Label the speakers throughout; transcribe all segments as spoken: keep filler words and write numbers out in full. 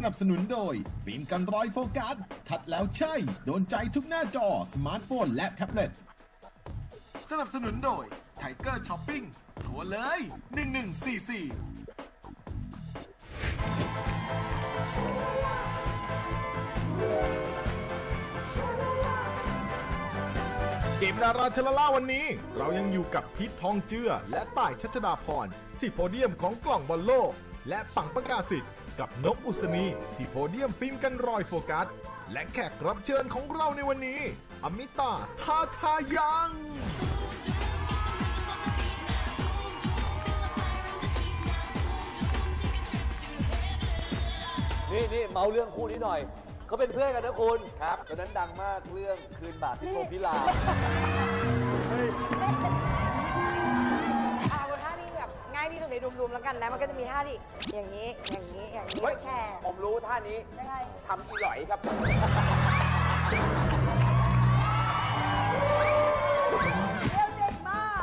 Speaker 1: นับสนุนโดยฟิล์มกันรอยโฟกัสทัดแล้วใช่โดนใจทุกหน้าจอสมาร์ทโฟนและแท็บเล็ตสนับสนุนโดยไทเกอร์ช้อปปิ้งโทรเลยหนึ่งหนึ่งสี่สี่เกมดาราชลล่าวันนี้เรายังอยู่กับพีททองเจือและต่ายชัชดาพรที่โพเดียมของกล่องบอลโลกและปังประกาศสิทธิ์กับนกอุศนีที่โพเดียมฟิล์มกันรอยโฟกัสและแขกรับเชิญของเราในวันนี้อมิตาทาทายัง
Speaker 2: นี่นี่เมาเรื่องคู่นี้หน่อยเขาเป็นเพื่อนกันนะคุณครับตอนนั้นดังมากเรื่องคืนบาปที่โพพิลา
Speaker 3: เอาท่านี้แบบง่ายที่สุดในรวมๆแล้วกันนะมันก็จะมีท่าที่อย่างนี้อย่างนี้อย่างนี้แค่
Speaker 4: ผมรู้ท่านี้
Speaker 3: ยังไง
Speaker 4: ทำอีหลอยครับ
Speaker 3: เร็วเด็กมาก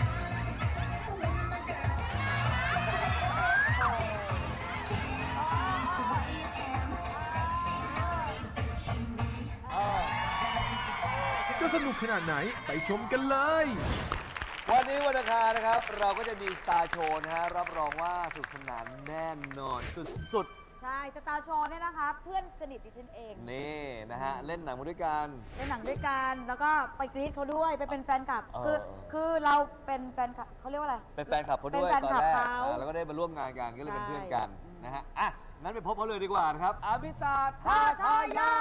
Speaker 1: จะสนุกขนาดไหนไปชมกันเลย
Speaker 2: วันนี้วันอังคารนะครับเราก็จะมีสตาร์โชว์นะฮะรับรองว่าสนุกสนานแน่นอนสุด
Speaker 3: ๆใช่สตาร์โชว์เนี่ยนะคะเพื่อนสนิทดิฉันเอง
Speaker 2: นี่นะฮะเล่นหนังมาด้วยกัน
Speaker 3: เล่นหนังด้วยกันแล้วก็ไปกรี๊ดเขาด้วยไปเป็นแฟนคลับคือคือเราเป็นแฟนคลับเขาเรียกว่าอะไร
Speaker 2: เป็นแฟนคลับเขาด้วยตอนแรกแล้วก็ได้มาร่วมงานกันก็เลยเป็นเพื่อนกันนะฮะอ่ะงั้นไปพบเขาเลยดีกว่านะครับอมิตาทาทายัง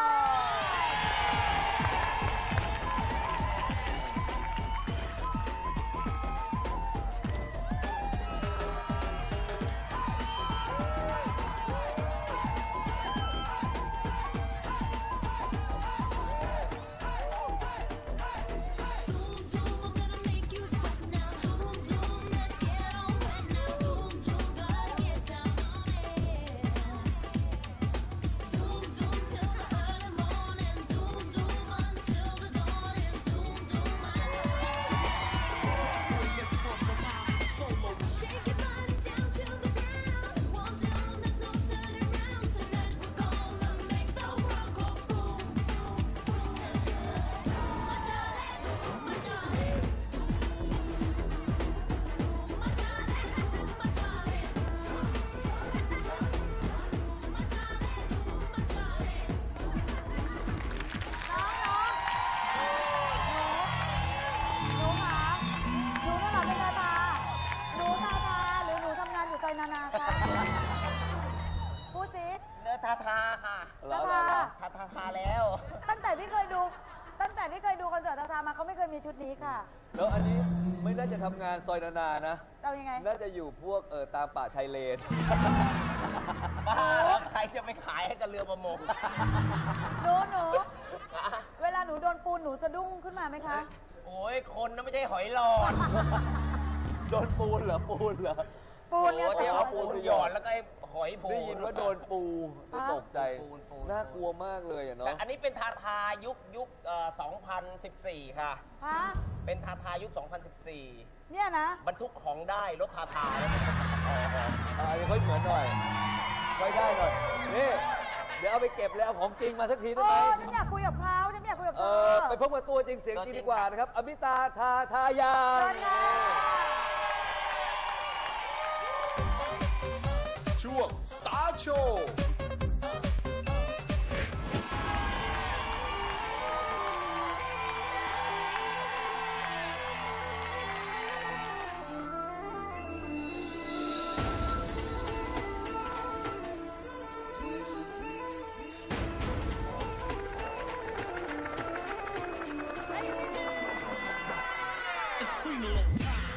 Speaker 3: นานาคะพูดสิ
Speaker 4: เนื้อทาทาค่ะ
Speaker 3: ทาทา
Speaker 4: ทาทาทาแล้ว
Speaker 3: ตั้งแต่ที่เคยดูตั้งแต่ที่เคยดูคอนเสิร์ตทาทามาเขาไม่เคยมีชุดนี้ค่ะ
Speaker 2: แล้วอันนี้ไม่น่าจะทำงานซอยนานานะ
Speaker 3: เอายังไง
Speaker 2: น่าจะอยู่พวกเออตามป่าชายเลน
Speaker 4: บ้าแล้วใครจะไปขายให้กับเรือประมง
Speaker 3: หนูหนูเวลาหนูโดนปูนหนูสะดุ้งขึ้นมาไหมคะ
Speaker 4: โอ้ยคนนะไม่ใช่หอยหลอด
Speaker 2: โดนปูนเหรอปูนเหรอ
Speaker 3: ปูนเนี่ย
Speaker 4: ที่เอาปูนหยอดแล้วก็ไอ้หอยปู
Speaker 2: ได้ยินว่าโดนปูตกใจน่ากลัวมากเลยอ่ะเนาะ
Speaker 4: แต่อันนี้เป็นทาทายุคยุคสองพันสิบสี่ค่ะ
Speaker 3: ฮะ
Speaker 4: เป็นทาทายุคสองพันสิบสี่
Speaker 3: เนี่ยนะ
Speaker 4: บรรทุกของได้รถทาทา
Speaker 2: อันนี้ค่อยเหมือนหน่อยค่อยได้หน่อยนี่เดี๋ยวเอาไปเก็บแล้วเอาของจริงมาสักทีได้ไหม
Speaker 3: ฉันอยากคุยกับเขาฉันอยากคุยกับเธ
Speaker 2: อไปพบกับตัวจริงเสียงจริงดีกว่านะครับอมิตาทาทายัง
Speaker 1: ช่วง Star Show
Speaker 5: It's been a long time.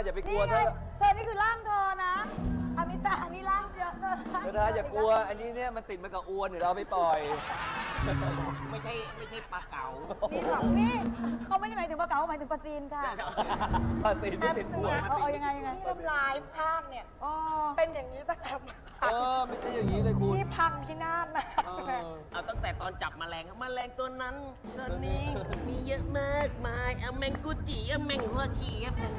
Speaker 2: อย่าไปกลั
Speaker 3: นี่
Speaker 2: ว
Speaker 3: ไง
Speaker 2: เธอ
Speaker 3: เธอนี่คือร่างเธอนะอมิตานี่ร่างเยอะเธอ
Speaker 2: เธอทาอย่ากลัว อันนี้เนี่ยมันติดมากับอวนเดี๋ยวเราเอาไปปล่อย
Speaker 4: ไม่ใช่ไม่ใช่ปลาเก๋า
Speaker 3: นี่หรอนี่เขาไม่ได้หมายถึงปลาเก๋าหมายถึงปลาจีนค่ะ
Speaker 2: ปลาตีนไม่ติดอวน
Speaker 3: เอาเอายังไงยังไง
Speaker 5: ที่ทำลายภาคเนี่ย
Speaker 3: อ๋อ
Speaker 5: เป็นอย่างนี้ตั้งแต่
Speaker 2: เออไม่ใช่อย่างนี้เลยคุณ
Speaker 5: ที่พังพินาศนะ
Speaker 2: เออ
Speaker 4: เอาตั้งแต่ตอนจับแมลงแมลงตัวนั้นตัวนี้ มีเยอะมากมายเอาแมงกุจิเอาแมงหัวขี้เอาแมง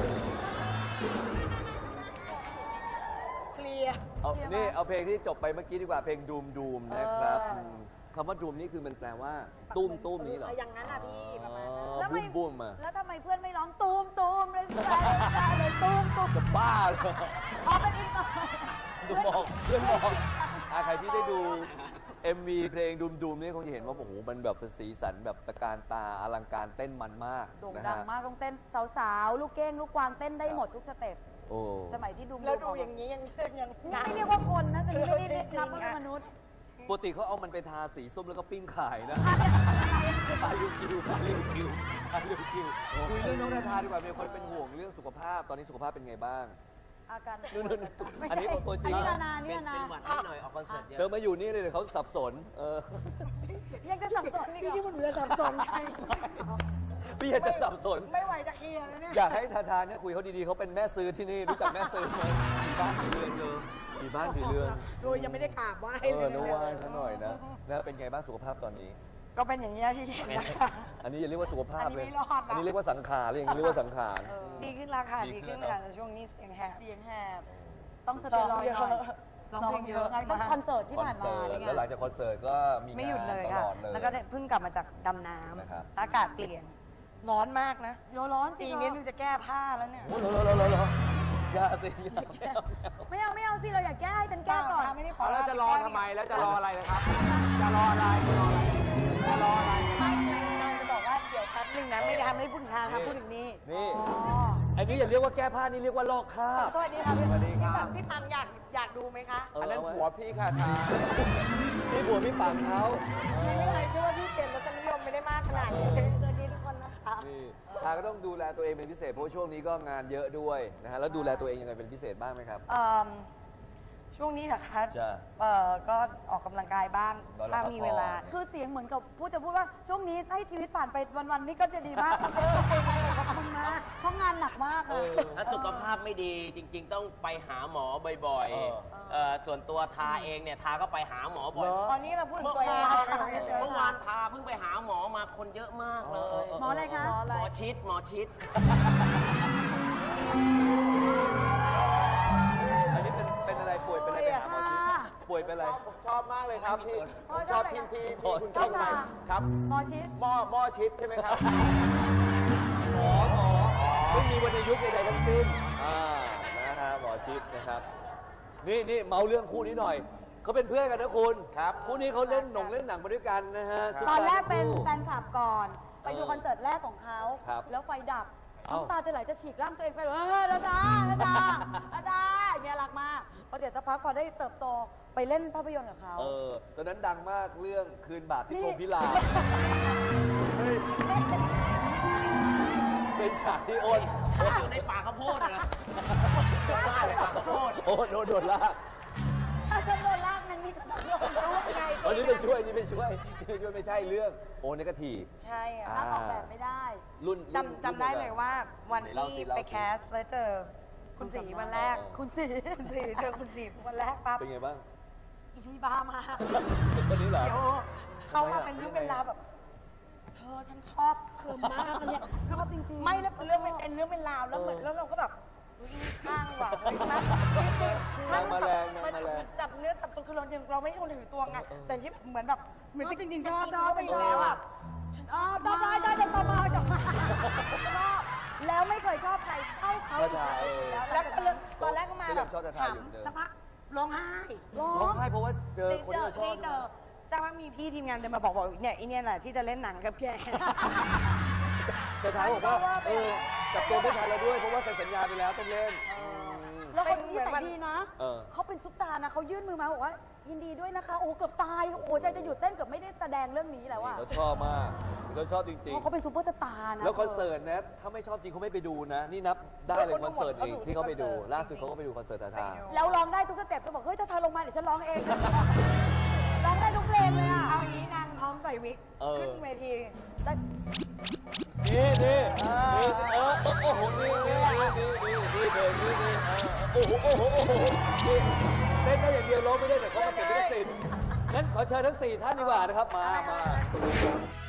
Speaker 5: เคลียร์
Speaker 2: เอานี่เอาเพลงที่จบไปเมื่อกี้ดีกว่าเพลงดูมดูมนะครับมคำว่าดูมนี่คือมันแปลว่าตุ้มตุ้มนี้เหรอ
Speaker 5: อย่างนั้นอ่ะพี่ประมาณนั้น
Speaker 2: อ๋อ
Speaker 3: แล้ว
Speaker 2: บุ้
Speaker 3: ไม่
Speaker 2: มบุ้มมา
Speaker 3: แล้วทำไมเพื่อนไม่ร้องตูมตูมเลยใช่เลยตูมตูม
Speaker 2: จะบ้าเลย
Speaker 3: อ๋อเป็นอินเตอร์
Speaker 2: ดูบอกเพื่อนบอกอ่ะใครที่ได้ดู เอ็ม วี เพลงดูมดูมนี่คงจะเห็นว่าโอ้โหมันแบบเป็นสีสันแบบตะการตาอลังการเต้นมันมาก
Speaker 3: โด่ง
Speaker 2: นะ
Speaker 3: ดัง
Speaker 2: ฮะ
Speaker 3: มากต้องเต้นสาวๆ ลูกเก้ง ลูกกวางเต้นได้หมดทุกสเต็ป
Speaker 2: โอ้
Speaker 3: สมัยที่ดู
Speaker 5: แล้วดูอย่างนี้ยังยัง
Speaker 3: นี่ไม่เรียกว่าคนนะแต่ไม่ได้นับว่าเป็นมนุษย์
Speaker 2: ปกติเขาเอามันไปทาสีส้มแล้วก็ปิ้งขายนะปลาลิวกิวปลาลิวกิวปลาลิวกิวคุยเรื่องน้องนาธาดีกว่ามีคนเป็นห่วงเรื่องสุขภาพตอนนี้สุขภาพเป็นไงบ้าง
Speaker 3: อาการ
Speaker 2: นู่นๆอันนี้ตัวจริง
Speaker 3: อันนี้นานานี่
Speaker 4: เป็น
Speaker 3: นา
Speaker 4: เป็น
Speaker 3: นา
Speaker 4: หวัดนิดหน่อยออกคอนเสิร์ตเย
Speaker 2: เธอ
Speaker 4: อะ
Speaker 2: มาอยู่นี่เลยเดี๋ยวเขาสับสนเออ
Speaker 3: ยังจะสับสนอีก
Speaker 5: พี่
Speaker 3: เหร
Speaker 5: ที่
Speaker 3: อ
Speaker 5: มันเหลือสับสนไง
Speaker 2: พี่อยากจะสับสน
Speaker 5: ไม่ไหวจะเคลียร์แล้วเนี่ย
Speaker 2: อยากให้ทาทาเนี่ยคุยเขาดีๆเขาเป็นแม่ซื้อที่นี่รู้จักแม่ซื้อไหมมีบ้านผีเรือนเธอมีบ้านผีเรือน
Speaker 5: โดยยังไม่ได้กราบไหว้
Speaker 2: เออนึกว่าซะหน่อยนะนะเป็นไงบ้างสุขภาพตอนนี้
Speaker 5: ก็เป็นอย่างนี้ยที่เห็นนะคะ
Speaker 2: อันนี้อย่าเรียกว่าสุขภาพเลย
Speaker 5: อันนี้ไม่รอดนะ
Speaker 2: อันนี้เรียกว่าสังขารเลยอย่างนี้เรียกว่าสังขาร
Speaker 5: ดีขึ้นราคา
Speaker 2: ดี
Speaker 5: ดี
Speaker 2: ขึ้
Speaker 5: ขึ้
Speaker 2: น
Speaker 5: น
Speaker 2: แล้ว
Speaker 5: ค่ะแต่ช่วงนี้เสียงแหบ
Speaker 3: เสียงแหบ ต้องสเตียรอยด์หน่อย
Speaker 5: ร้องเพลงเยอะ
Speaker 3: ไงต้องคอนเสิร์ตที่
Speaker 2: คอน
Speaker 3: ผ่านมา
Speaker 2: เสิร์ต
Speaker 3: นี่ไง
Speaker 2: แล้วหลังจากคอนเสิร์ตก็มี
Speaker 5: ไม่หยุด
Speaker 2: งาน
Speaker 5: เลย
Speaker 2: ต
Speaker 5: ค่ะ
Speaker 2: ลอดเลย
Speaker 5: แล้วก็ได้เพิ่งกลับมาจากดำน้
Speaker 2: นะครับ
Speaker 5: ำอากาศเปลี่ยน ร้อนมากนะ
Speaker 3: โยร้อนจริ
Speaker 5: อี
Speaker 3: ง
Speaker 5: ก
Speaker 3: เหร
Speaker 5: นิ
Speaker 3: อ
Speaker 5: ดนึงจะแก้ผ้าแล้วเนี่ย
Speaker 2: โอ้โหโหโหโหโหอย่าสิอย่าไม่เอา
Speaker 3: ไม่เอาไม่เอาสิเราอยากแก้ให้ฉันแก้ก่อน
Speaker 5: ไม่ได้ขอ
Speaker 6: แล้วจะรอทำไม แล้วจะรออะไรนะครับ จะรออะไร จะรออะไร จะรออะไร
Speaker 5: ไม่นางจะบอกว่าเดี๋ยวแป๊บนึงนะไม่ได้ทำให้พูดถึงทางทำพูดถึงนี่
Speaker 2: นี่อันนี้อย่าเรียกว่าแก้ผ้านี่เรียกว่าลอกคราบ
Speaker 5: สวัสดีค่ะพี่
Speaker 6: สวัสดีครับ
Speaker 5: พี่ปังอยากอยากดูไหมคะ
Speaker 2: เออ
Speaker 6: อันนั้น
Speaker 2: เอาไว้
Speaker 6: หัวพี่ค่ะทา
Speaker 2: นี่ผัวพี่ปังเขาเอ
Speaker 5: ไม่
Speaker 2: อ
Speaker 5: เคยเชื่อว่าพี่เป็นรสนิยมไม่ได้มากขนาดนี้สวัสดีทุกคนนะคะ
Speaker 2: นี่ทางก็ต้องดูแลตัวเองเป็นพิเศษเพราะว่าช่วงนี้ก็งานเยอะด้วยนะฮะแล้วดูแลตัวเองยังไงเป็นพิเศษบ้างไหมครับ
Speaker 5: เอิ่มช่วงนี้เหรอคะ
Speaker 2: จ้ะ
Speaker 5: เอ่อก็ออกกำลังกายบ้าง
Speaker 2: ตอนเรา
Speaker 5: ถ้ามีเวลา
Speaker 2: พักผ่อน
Speaker 3: คือเสียงเหมือนกับพูดจะพูดว่าช่วงนี้ให้ชีวิตผ่านไปวันๆนี้ก็จะดีมากคุณเจอขอบคุณมากเพราะงานหนักมากเลย
Speaker 4: ถ้าสุขภาพไม่ดีจริง ๆ ต้องไปหาหมอบ่อย
Speaker 2: เออ
Speaker 4: ๆเอ่อส่วนตัวทาเองเนี่ยทาก็ไปหาหมอบ่อย
Speaker 2: เหรอ
Speaker 5: ตอนนี้เราพูดถึง
Speaker 4: เมื่อ
Speaker 5: ตัวเอง
Speaker 4: วาน
Speaker 5: ค่ะ
Speaker 4: เมื่อวานทาเพิ่งไปหาหมอมาคนเยอะมากเลย
Speaker 3: หมออะไรคะ
Speaker 4: หมอชิดหมอชิด
Speaker 2: อันนี้เป็นเป็นอะไรป่วยเป็นอะไรไปหาหมอชิดป่วยเป็นอะไร
Speaker 6: ผมชอบมากเลยครับที่
Speaker 3: พ่อ
Speaker 6: ผม
Speaker 3: ช
Speaker 6: ช
Speaker 3: อ
Speaker 6: อ
Speaker 3: บบ อะไร
Speaker 6: ที่
Speaker 3: นะ
Speaker 6: ที่
Speaker 2: ชอบ
Speaker 6: ที่คุณ
Speaker 3: ช
Speaker 6: ช
Speaker 3: อ
Speaker 6: อ
Speaker 3: บบ
Speaker 6: ไป
Speaker 3: ทา
Speaker 6: ครับ
Speaker 3: หมอชิด
Speaker 6: หม้อหม้อชิดใช่ไหมครับ
Speaker 2: หมอหมอไม่มีวรรณยุกต์ใดๆทั้งสิ้นอ่านะฮะหมอชิดนะครับ นี่นี่เมาเรื่องคู่นี้หน่อยเขาเป็นเพื่อนกันนะคุณ
Speaker 6: ครับ
Speaker 2: คู่นี้เขาเล่นหนงเล่นหนังมาด้วยกันนะฮะซุป
Speaker 3: ตอน
Speaker 2: ตา
Speaker 3: แรก
Speaker 2: ทั้ง
Speaker 3: เป็น
Speaker 2: คู่
Speaker 3: แฟนคลับก่อน ไปดู
Speaker 2: เออ
Speaker 3: คอนเสิร์ตแรกของเขา
Speaker 2: ครับ
Speaker 3: แล้วไฟดับ
Speaker 2: เอ้า
Speaker 3: น้ำตาจะไหลจะฉีกร่างตัวเองไปเลยเอออาจารย์อาจารย์อาจารย์เนี่ยรักมากพอเดี๋ยวสักพักพอได้เติบโตไปเล่นภาพยนตร์กับเขา
Speaker 2: เออตอนนั้นดังมากเรื่องคืนบาปที่
Speaker 3: นี่
Speaker 2: พรหมพิลาเฮ้ยเป็นฉากที่โอน
Speaker 4: อยู่ในป่าข้าวโพดนะบ้านในป่าข้าวโพด
Speaker 2: โอนโดนโดนลาก
Speaker 3: ถ้าฉันโดนลากนั้นนี่ก็ต้องโดนด้วยไง
Speaker 2: วันนี้ไปช่วยนี่ไปช่วยนี่ไปช่วยไม่ใช่เรื่องโอนนกทีฟ
Speaker 5: ใช่อะ
Speaker 2: อ่า
Speaker 3: ลากออกแบบไม่ได้
Speaker 2: รุ่นรุ่น
Speaker 5: จำจำได้เลยว่าวัน
Speaker 2: ไหนเล่าสิ
Speaker 5: ที่
Speaker 2: เล่าสิ
Speaker 5: ไปแคสแล้วเจอคุณสีวันแรก
Speaker 2: เออ
Speaker 5: คุณสีคุณสีเจอคุณสีวันแรกปั๊บ
Speaker 2: เป็นไงบ้าง
Speaker 5: อีพี่บ้ามาก
Speaker 2: คนนี้เหรอ
Speaker 5: เดี๋ยวเขามาเป็นเรื่องเป็นราวแบบเธอฉันชอบเธอมากเลยคือ
Speaker 3: ชอบจริงๆ
Speaker 5: ไม่แล้วเรื่องมันเป็นเรื่องเป็นราวแล้วเหมือนแล้วเราก็แบบอุ๊ยข้างว่ะเฮ้ยนะ
Speaker 2: นางมาแรงนางมาแรง
Speaker 5: จับเนื้อจับตัวคือเรายังเราไม่คนถือตัวไงแต่ที่เหมือนแบบเหมือน
Speaker 3: จริงๆชอบ
Speaker 5: ชอบไปแล้วอ่ะ
Speaker 3: อ๋อชอบชอบชอบชอบชอบชอบชอบชอบแล้วไม่เคยชอบใครเท่าเขา
Speaker 2: ก็ใช่เออ
Speaker 5: แล้วก็เรื่องตอนแรกก็มา
Speaker 2: ก็
Speaker 5: แบ
Speaker 2: ยัง
Speaker 5: บ
Speaker 2: ชอบจะทายอยู่เหมือนเดิม
Speaker 5: สักพักร้องไห้
Speaker 3: ร้อ
Speaker 2: ร้อง
Speaker 3: ง
Speaker 2: ไห้เพราะว่าเจอ
Speaker 5: นี่
Speaker 2: คน
Speaker 5: เจ
Speaker 2: ที่
Speaker 5: อ
Speaker 2: เราชอบ
Speaker 5: นี่เจอสักพักมีพี่ทีมงานเดินมาบอกบอกเนี่ยไอเนี่ยแหละที่จะเล่นหนังกับแก
Speaker 2: แต่ท้ายบอกว่าเออจับตัวไม่ทันแล้วด้วยเพราะว่าเซ็นสัญญาไปแล้วต้องเล่นอืม
Speaker 3: แล้วเขาที่ไหนดีนะ
Speaker 2: เออ
Speaker 3: เขาเป็นซุปตาร์นะเขายื่นมือมาบอกว่ายินดีด้วยนะคะ โอ้โหเกือบตายโอ้โหใจจะหยุดเต้นเกือบไม่ได้แสดงเรื่องนี้แล้วอะ
Speaker 2: เขาชอบมากเขาชอบจริง
Speaker 3: เพราะเขาเป็นซูเปอร์สตาร์นะ
Speaker 2: ๆ แล้วคอนเสิร์ตนะถ้าไม่ชอบจริงเขาไม่ไปดูนะ นี่นับได้เลยคอนเสิร์ตเองที่เขาไปดู ล่าสุดเขาก็ไปดูคอนเสิร์ตทาทา
Speaker 3: แล้วร้องได้ทุกสเต็ปจะบอกเฮ้ยถ้าเธอลงมาเดี๋ยวฉันร้องเอง ร้องได้ทุกเพลงเลยอะ
Speaker 5: เอาอย่างนี้นางพร้อมใส่วิก
Speaker 2: เออ
Speaker 5: ขึ้นเวที
Speaker 3: แต่
Speaker 2: นี่นี่นี่เออโอ้โหนี่นี่นี่นี่นี่เพลงนี่นี่โอ้โหโอ้โหโอ้โหนี่เต้นได้อย่างเดียวร้องไม่ได้แต่เขามาเก็บลิขสิทธิ์งั้นขอเชิญทั้งสี่ท่านดีกว่านะครับมามา